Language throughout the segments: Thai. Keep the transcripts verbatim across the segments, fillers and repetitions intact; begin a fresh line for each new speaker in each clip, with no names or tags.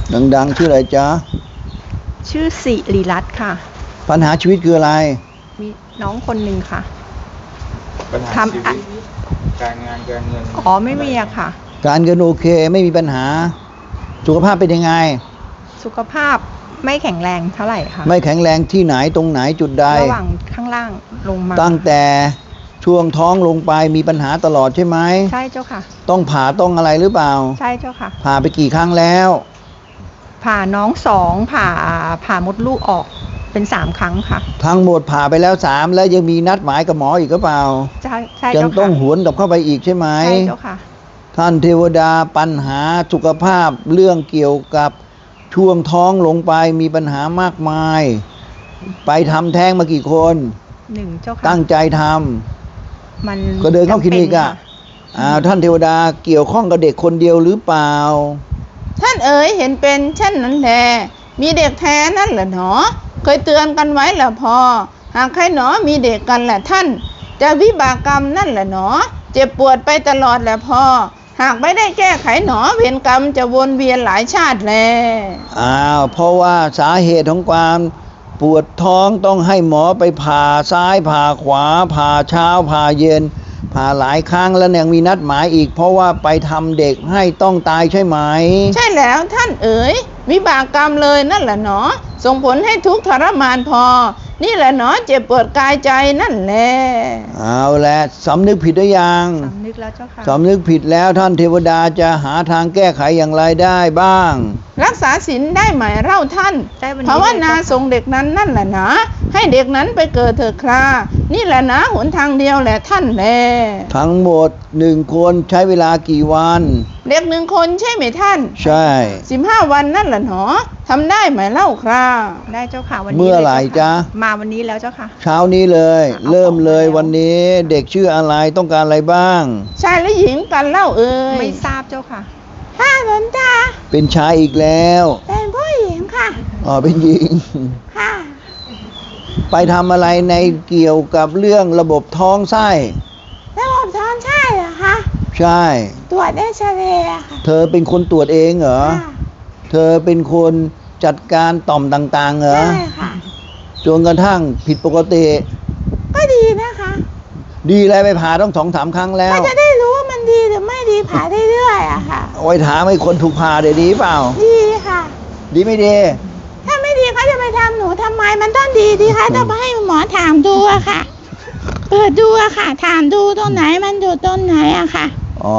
ดังๆชื่ออะไรจ๊ะ
ชื่อสิริรัตน์ค่ะ
ปัญหาชีวิตคืออะไร
มีน้องคนหนึ่งค่ะ
ปัญหาชีวิตการงานการเงิน
อ๋อไม่มีอะค่ะ
การเงินโอเคไม่มีปัญหาสุขภาพเป็นยังไง
สุขภาพไม่แข็งแรงเท่าไหร่ค่ะ
ไม่แข็งแรงที่ไหนตรงไหนจุดใด
ระหว่างข้างล่างลงมา
ตั้งแต่ช่วงท้องลงไปมีปัญหาตลอดใช่ไหม
ใช่เจ้าค่ะ
ต้องผ่าต้องอะไรหรือเปล่า
ใช่เจ้าค่ะ
ผ่าไปกี่ครั้งแล้ว
ผ่าน้องสองผ่าผ่ามดลูกออกเป็นสามครั้งค่ะ
ทั้งหมดผ่าไปแล้วสามแล้วยังมีนัดหมายกับหมออีกหรือเปล่า
ใช่ใช่เจ้าค่ะ
ยังต้องหวนกลับเข้าไปอีกใช่ไหม
ใช่เจ้าค่ะ
ท่านเทวดาปัญหาสุขภาพเรื่องเกี่ยวกับช่วงท้องลงไปมีปัญหามากมายไปทำแท้งมากี่คน
หนึ่งเจ้าค่ะ
ตั้งใจทำ
มัน
ก็เดินเข้าคลินิกอ่ะอ้าวท่านเทวดาเกี่ยวข้องกับเด็กคนเดียวหรือเปล่า
ท่านเอ๋ยเห็นเป็นเช่นนั้นแลมีเด็กแท้นั่นแหละหนอเคยเตือนกันไว้แหละพอหากใครหนอมีเด็กกันแหละท่านจะวิบากกรรมนั่นแหละหนอเจ็บปวดไปตลอดแหละพอหากไม่ได้แก้ไขหนอเวรกรรมจะวนเวียนหลายชาติแล
อ้าวเพราะว่าสาเหตุของความปวดท้องต้องให้หมอไปผ่าซ้ายผ่าขวาผ่าเช้าผ่าเย็นผ่าหลายครั้งแล้วยังมีนัดหมายอีกเพราะว่าไปทำเด็กให้ต้องตายใช่ไหม
ใช่แล้วท่านเอ๋ยวิบากกรรมเลยนั่นแหละหนอส่งผลให้ทุกข์ทรมานพอนี่แหละหนอเจ็บปวดกายใจนั่นแหละ
เอาละสำนึกผิดหรือยัง
สำนึกแล้วเจ้าค่ะ
สำนึกผิดแล้วท่านเทวดาจะหาทางแก้ไขอย่างไรได้บ้าง
รักษาศีลได้ไหมเล่าท่านภาวนาส่งเด็กนั้นนั่นแหละนะให้เด็กนั้นไปเกิดเถิดครานี่แหละนะหนทางเดียวแหละท่านแล
ทั้งหมดหนึ่งคนใช้เวลากี่วัน
เด็กหนึ่งคนใช่ไหมท่าน
ใช่
สิบห้าวันนั่นแหละหนอทำได้ไหมเล่าครา
ได้เจ้าค่ะวันนี้
เมื่อไหร่จ๊ะ
มาวันนี้แล้วเจ้าค่ะ
เช้านี้เลยเริ่มเลยวันนี้เด็กชื่ออะไรต้องการอะไรบ้าง
ชายและหญิงกันเล่าเอ่ย
ไม่ทราบเจ้าค่ะ
ค่ะหลวงตา
เป็นชายอีกแล้ว
เป็นผู้หญิงค่ะ
อ๋อเป็นหญิง
ค่ะ
ไปทำอะไรในเกี่ยวกับเรื่องระบบท้องไส้
ระบบท้องไส้เหรอคะ
ใช่
ตรวจได้เฉลี่ยค่ะ
เธอเป็นคนตรวจเองเหรอเธอเป็นคนจัดการต่อมต่างๆเหรอ
ใช่ค่ะ
จนกระทั่งผิดปกติ
ก็ดีนะคะ
ดีแล้วไปผ่าต้องสองสามครั้งแล้ว
ก็จะได้รู้ว่ามันดีหรือไม่ดีผ่าได้เรื่อยอะค่ะ
ไว้ถามให้คนถูกผ่าได้ดีเปล่า
ดีค่ะ
ดีไม่ดี
ถ้าไม่ดีเขาจะไปทำหนูทำไมมันต้องดีดีคะต้องให้หมอถามดูอะค่ะเปิดดูอะค่ะถามดูตรงไหนมันอยู่ตรงไหนอะค่ะ
อ๋อ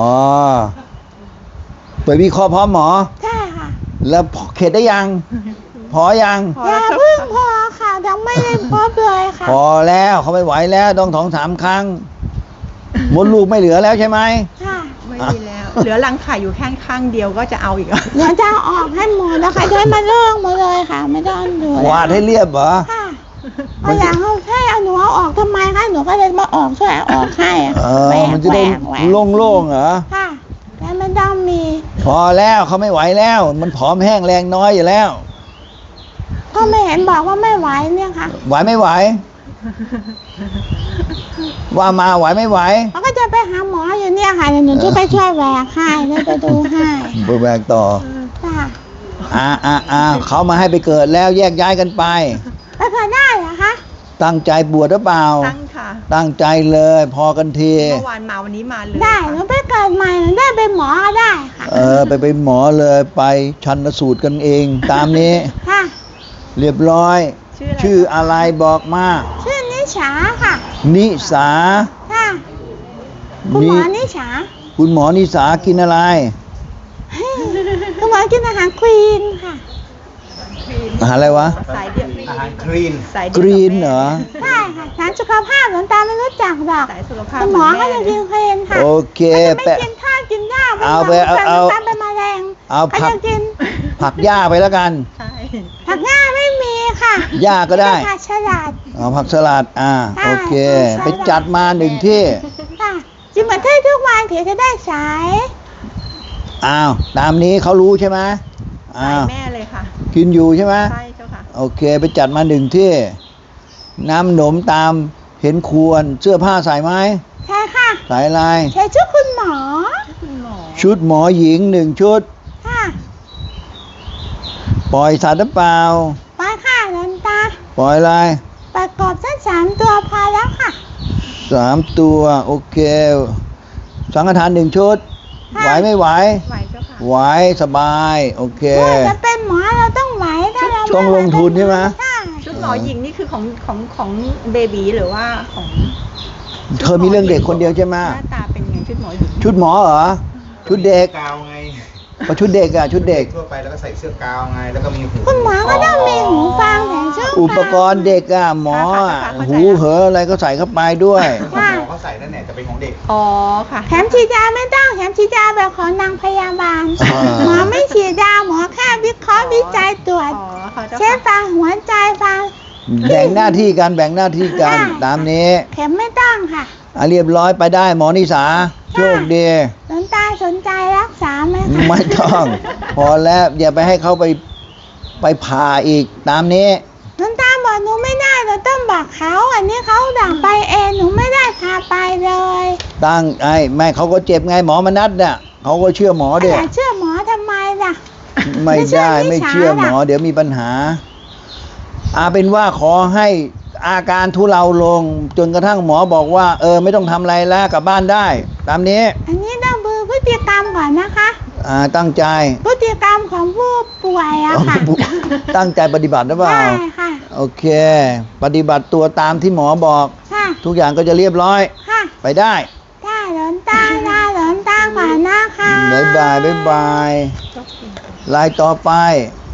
ไปวิเคราะห์พร้อมหมอ
ใช่ค่ะ
แล้วเข็ดได้ยังพอยัง
อย่าเพิ่งพอค่ะยังไม่ได้พบเลยค่ะ
พอแล้วเขาไม่ไหวแล้วต้องสองสามครั้งมดลูกไม่เหลือแล้วใช่ไหม
ค่ะ
ไม่มีแล้วเหลือรังไข่อยู่แค่ข้างเดียวก็จะเอาอีกอ่ะ
เดี๋ยวจะออกให้หมดแล้วค่ะเดินมาเรื่องหมดเลยค่ะไม่ต้องดู
วาดให้เรียบเหรอ
ค่ะเอาอย่างเขาให้เอาหนูเอาออกทำไมคะหนูก็เลยมาออกช่วยออกให้อ่ะ
แหวกมันจะได้โล่งๆเหรอ
ค่ะแล้วไม่ต้องมี
พอแล้วเขาไม่ไหวแล้วมันผอมแห้งแรงน้อยอยู่แล้ว
ก็ไม่เห็นบอกว่าไม่ไหวเนี่ยค่ะ
ไหวไม่ไหวว่ามาไหวไม่ไหว
เขาก็จะไปหาหมออยู่เนี่ยค่ะหนูจะไปช่วยแหวกให้แล้วไปดูให้
ไปแหวกต่อ
ค่ะ
อ่าอ่าอ่าเขามาให้ไปเกิดแล้วแยกย้ายกันไป
ไปเกิดได้เหรอคะ
ตั้งใจบวชหรือเปล่า
ตั้งค่ะ
ตั้งใจเลยพอกันที
เมื่อวานมาวันนี้มาเลย
ได้หนูไปเกิดใหม่หนูได้เป็นหมอได้ค่ะ
เออไปเป็นหมอเลยไปชันสูตรกันเองตามนี้
ค่ะ
เรียบร้อยชื่ออะไรบอกมา
ชื่อนิสาค่ะ
นิสา
ค่ะคุณหมอนิสา
คุณหมอนิสากินอะไร
คุณหมอกินอาหารคลีนค่ะ
อาหารอะไรวะ
อาหารคลีน
คลีนเหรอ
ใช่ค่ะสารสุขภาพหลวงตาไม่รู้จักหรอกคุณหมอก็จะกินคลีนค่ะ
โอเค
ไม่กินข้าวกินหญ้า
เอาไปเอาเอา
เป็นมะเร็ง
เอาผักผักหญ้าไปแล้วกัน
ผักหญ้าไม่มีค่ะ
หญ้าก็ได้
ผักสลัด
เอาผักสลัดอ่าโอเคไปจัดมาหนึ่งที่
ค่ะจิมมาเทศทุกวันถึงจะได้สาย
อ้าวตามนี้เขารู้ใช่ไหม
อ้าวแม่เลยค่ะ
กินอยู่ใช่ไหม
ใช่เจ้าค่ะ
โอเคไปจัดมาหนึ่งที่น้ำหนมตามเห็นควรเสื้อผ้าใส่ไหม
ใช่ค่ะ
ใส่อะไร
ใส่ชุดคุณหมอ
ชุดหมอหญิงหนึ่งชุด
ค่ะ
ปล่อยสัตว์หรือเปล่า
ไปค่ะหลวงตา
ปล่อยอะไร
ไปกบสักสามตัวพอแล้วค่ะ
สามตัวโอเคสังฆทานหนึ่งชุด
ค่ะ
ไหวไม่ไหว
ไหวเจ้าค่ะ
ไหวสบายโอเค
เมื่อจะเป็นหมอเราต้องไหวถ้าเราไม่
ต้องลงทุนใช่ไหม
ใช่
ชุดหมอหญิงนี่คือของของของเบบีหรือว่าของ
เธอมีเรื่องเด็กคนเดียวใช่ไหม
หน้าตาเป็นไงชุดหมอหญิง
ชุดหมอเหรอชุดเด็ก
กาวไง
ก็ชุดเด็กอะชุดเด็ก
ทั่วไปแล้วก็ใส่เสื้อกาวไงแล้วก็มีหู
คุณหมอก็ต้องมีหูฟังแต่ช่วง
อุปกรณ์เด็กอะหมออะหูเหออะไรก็ใส่เข้าไปด้วย
หมอเขาใส่นั่นแหละแต่เป็นของเด็ก
อ๋อค่ะ
แถมฉีดยาไม่ต้องแถมฉีดยาแบบของนางพยาบาล
อ่า
หมอไม่ฉีดยาหมอแค่วิเคราะห์วิจัยตรวจ
อ๋อค่ะเจ้า
เช็ค
ค่ะ
ฟังหัวใจฟัง
แบ่งหน้าที่กันแบ่งหน้าที่กัน
ค่ะ
ตามนี้
เข็มไม่ต้องค่ะ
อ่ะเรียบร้อยไปได้หมอนิสาโชคดี
หลวงตาสนใจรักษาไหมคะ
ไม่ต้อง พอแล้วอย่าไปให้เขาไปไปผ่าอีกตามนี้
หลวงตาบอกหนูไม่ได้เราต้องบอกเขาอันนี้เขาดังไปเองหนูไม่ได้พาไปเลย
ตั้งไอ้แม่เขาก็เจ็บไงหมอมนัดเนี่ยเขาก็เชื่อหมอเด็
อย่าเชื่อหมอทำไมล่ะ
ไม่ได้
ไม่
ไม่
ใช่
เชื่อหมอ
วิชาล่ะ
เดี๋ยวมีปัญหาอาเป็นว่าขอให้อาการทุเลาลง จนกระทั่งหมอบอกว่า เออไม่ต้องทำอะไรแล้วกลับบ้านได้ ตามนี้
อันนี้ต้องดูพฤติกรรมก่อนนะคะ
อ่าตั้งใจ
พฤติกรรมของผู้ป่วยอะค่ะ
ตั้งใจปฏิบัติหรือเปล่า
ใช่ค่ะ
โอเค ปฏิบัติตัวตามที่หมอบอก
ค่ะ
ทุกอย่างก็จะเรียบร้อย
ค่ะ
ไปได้
ได้หลวงตาได้หลวงตาก่อนนะคะ
บ๊ายบายบ๊ายบายลายต่อไป
ค